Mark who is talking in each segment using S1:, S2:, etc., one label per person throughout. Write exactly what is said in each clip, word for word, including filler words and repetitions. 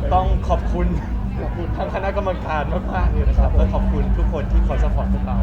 S1: ต้องขอบคุณขอบคุณทางคณะกรรมการมากๆเลยนะครับและขอบคุณทุกคนที่คอยสปอร์ตพวกเรา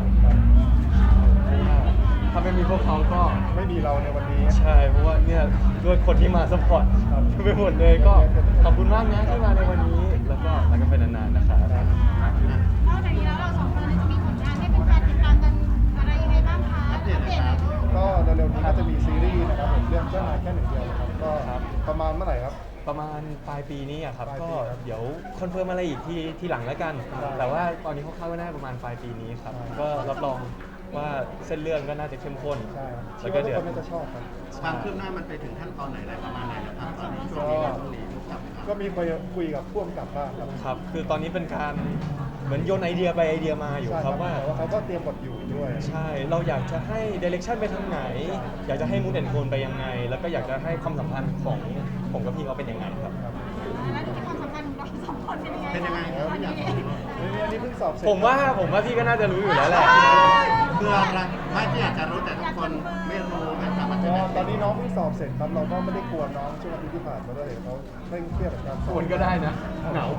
S1: ถ้าไม่มีพวกเขาก็
S2: ไม่มีเราในวันนี้
S1: ใช่เพราะว่าเนี่ยด้วยคนที่มาสปอร์ตไปหมดเลยก็ขอบคุณมากนะที่มาในวันนี้แล้วก็รักกันไปนานๆนะครับ
S3: นอกจากนี้แล้วเราสองคนจะมีผลงานให้เป็นแฟนติดตามกันอะไรยังไงบ้างคะอัปเดตหน่อยครับ
S2: ก็เร็วๆนี้ก็จะมีซีรีส์นะครับผมเรื่องเจ้านายแค่หนึ่งเดียวนะครับก็ประมาณเมื่อไหร่ครับ
S1: ประมาณปลายปีนี้อะครับ
S2: ปลายปี
S1: ก็
S2: ครับ
S1: เดี๋ยวคอนเฟิร์มอะไรอีกทีทีหลังแล้วกัน
S2: ได้
S1: แต่ว่าตอนนี้คร่าวๆก็น่าจะประมาณปลายปีนี้ครับ
S2: ใช่
S1: ก็รับรองว่าเส้นเรื่องก็น่าจะเข้มข้น
S2: ใช่ครับ
S1: แล้
S2: คิด
S1: วก็
S2: ว่าทุก
S1: เดี๋ยว
S2: คนน่าจะชอบครับ
S4: ความคืบหน้ามันไปถึงขั้นตอนไหนอะไรประมาณไหนนะครับตอนนี้ช่วงนี้ช่วงนี้ทุกกับ
S2: ก็มีคุยคุยกับพ่วงกับบ้างครับ
S1: ครับคือตอนนี้เป็นการเหมือนโยนไอเดียไปไอเดียมาอยู่
S2: ใช่
S1: ครับว่า
S2: แต่ว่าเขาก็เตรียมบทอยู่ด้วย
S1: ใช่เราอยากจะให้เดเรคชั่นไปทางไหน อยากจะให้มูดแอนโทนไปยังไง แล้วก็อยากจะให้ความสัมพันธ์ของผมกับพี่เขาเป็นยังไงครับ
S3: แล้วที่ความสัมพันธ์ของเราสองคนเป็นยังไง
S4: เป็นยังไงครับ
S3: ตอน
S4: อยาก
S3: นี้
S4: รู้
S2: นี่อันนี้เพิ่งสอบเสร็จ
S1: ผมว่าผมว่าพี่ก็น่าจะรู้อยู่แล้วแหละ
S4: คืออะไรไม่ที่อยากจะรู้แต่ทุกคนไม่รู้กันครับมันจะ
S2: ก็
S4: ได้
S2: ตอนนี้น้องเพิ่งสอบเสร็จครับเราก็ไม่ได้กวนน้องช่วงอาทิตย์ที่ผ่านมาด้วยเห็นเขาเร่งเครียดกับการสอบ
S1: ควรก็ได้นะเหงา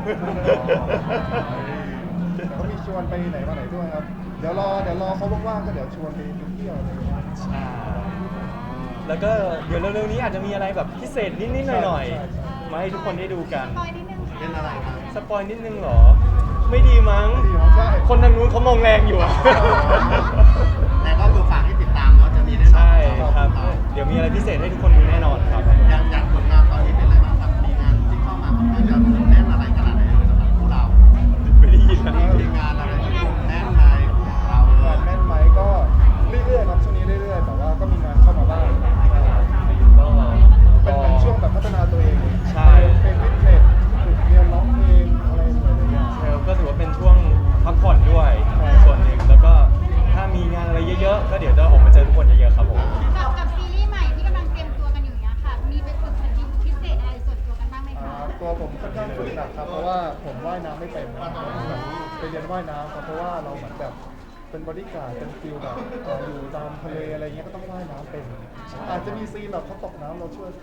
S2: แต่เขามีชวนไปไหนมาไหนด้วยครับ เดี๋ยวรอเดี๋ยวรอเขาว่างๆก็เดี๋ยวชวนไปเที่ยวอะไรอย่างเงี้ย
S1: ใช่ แล้วก็เดี๋ยวเร็วๆนี้อาจจะมีอะไรแบบพิเศษนิดๆหน่อย
S2: ใช่ใช่
S1: ๆ มาให้ทุกคนได้ดูกัน
S3: ปอยนิดนึง
S4: เป็นอะไรครับ
S1: สปอยนิดนึงเหรอ ไม่ดีมั้ง
S2: ดีครับใช่
S1: คนทางนู้นเขามองแรงอยู่อะ
S4: แต่ก็คือฝากให้ติดตามเนาะจะมีแน่นอน
S1: ใช่ครับ เดี๋ยวมีอะไรพิเศษให้ทุกคนดูแน่นอนครับ
S4: อย่างอย่างผลงานตอนนี้เป็นอะไรบ้างครับมีงานที่เข้ามาค่อนข้างจะแน่นอะไรขนาดไหนเลยสำหรับพวกเรา
S1: ไม่ได้ยินนะ
S4: มีงานอะไรที่แน่นในของเราเล
S2: งาน
S4: ย
S2: แม่นไหมก็เรื่อยๆครับช่วงนี้เรื่อยๆแต่ว่าก็มีงานเข้ามาบ้าง
S1: ก็
S2: เป็นเป็นช่วงแบบพัฒนาตัวเอง
S1: ใช่
S2: เป็นฟิตเนสฝึกเรียนร้องเพลงอะไรอย่างเงี้ย
S1: เทลก็ถือว่าเป็นช่วงพักผ่อนด้วย
S2: ใช่
S1: ส่วนหนึ่งแล้วก็ถ้ามีงานอะไรเยอะๆ ก็เดี๋ยวจะออกมาเจอทุกคนเยอะๆครับผม
S3: กับกับซีรีส์ใหม่ที่กำลังเตรียมตัวกันอยู่เนี้ยค่ะ มีไปฝึกสกิลพิเศษอะไรส่วนตัวกันบ้างไหม
S2: อ่า
S3: คะ
S2: ตัวผมค่อนข้างฝึกหนักครับเพราะว่าผมว่ายน้ำไม่เป็นครับแบบไปเรียนว่ายน้ำครับเพราะว่าเราเหมือนแบบเป็นบอดี้การ์ดเป็นฟิลแบบเอ่ออยู่ตามทะเลอะไรเงี้ยก็ต้องว่ายน้ำเป็น อาจจะมีซีนแบบเขาตกน้ำเราช่วย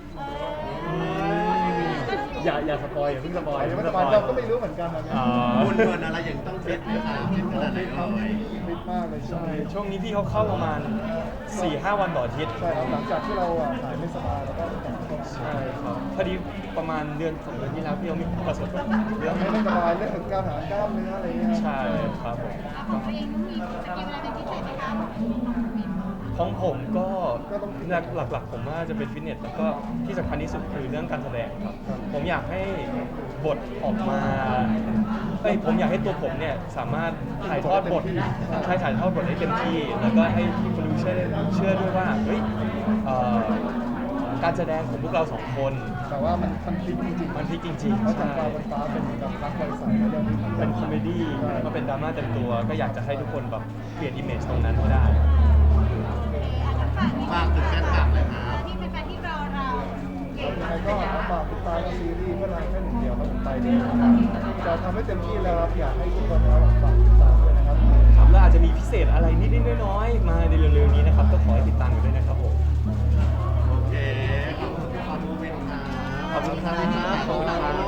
S1: อย่าอย่าสปอยอย่าเพิ่งสปอย
S2: แต่
S1: อย่า
S2: ไม่
S1: เพิ่ง
S2: ส
S1: สป
S2: บา
S1: อย ย
S2: เราก็ไม่รู้เหมือนกันนะเนี่ย
S1: อ๋อ
S4: คุณเงินอะไรอย่างต้องฟิตไหมครับฟิตขนาดไหนเลย
S2: ฟิตมากเลยช่วง
S1: ใช่
S2: นี้
S1: ช่วงนี้พี่เขาเข้าประมาณ สี่ห้า วันต่ออาทิตย์
S2: ใช่ครับหลังจากที่เราอ่ะหายไม่สบายแล้วก็กลับมา
S1: ใช่ครับพอดีประมาณเดือนสองเดือนที่แล้วพี่เขามีประสบปัญหาเรื่
S2: ยั
S1: อง
S2: งไม่สบายเรื่องของการหากล้ามเนื้ออะไรเงี้ย
S1: ใช่ครับผม
S3: ของตัวเองต้องมีสกิลอะไรเป็นพิเศษไหมคะ
S1: ของผมก็หลักๆ ผมว่าจะเป็นฟิตเนสแล้วก็ที่สำคัญที่สุดคือเรื่องการแสดงครับ ผมอยากให้บทออกมาเอ้ยผมอยากให้ตัวผมเนี่ยสามารถถ่ายทอดบทใช่ถ่ายทอดบทได้เต็มที่ แล้วก็ให้คนดูเชื่อเชื่อด้วยว่าเฮ้ยเอ่อการแสดงของพวกเราสองคน
S2: แต่ว่ามันมันพลิกจริงๆ
S1: มันพลิกจริง
S2: เพราะ
S1: ๆ
S2: จาก
S1: ใช่
S2: ฟ้าบนฟ้าเป็นแบบรักไวใสแล้วเรื่องนี้
S1: เป็นคอมเมดี้แล้วก็เป็นดราม่าเต็มตัว ก็อยากจะให้ทุกคนแบบเปลี่ยนอิมเมจตรงนั้นให้ได้
S4: ฝากถึงแฟนคลับเลยครับ
S3: ที่เป็นแฟนที่รอเราเก่ง
S2: ยัง
S3: มา
S2: ไง
S3: ก
S2: ก็
S3: เลย
S2: ฝากติดตามซีรีส์เพื่อนรักแค่หนึ่งเดียวครับผมไปดีจะทำให้เต็มที่แล้วครับอยากให้ทุกคนนะครับฝากติดตามด้วยนะครับ
S1: ครับแล้วอาจจะมีพิเศษอะไรนิดๆน้อยๆมาในเร็วๆนี้นะครับ ก็ขอให้ติดตามกันด้วยนะครับผม
S4: โอเค ขอบคุณพี่ขอมูวินครับ
S1: ขอบคุณครับขอบคุณครับ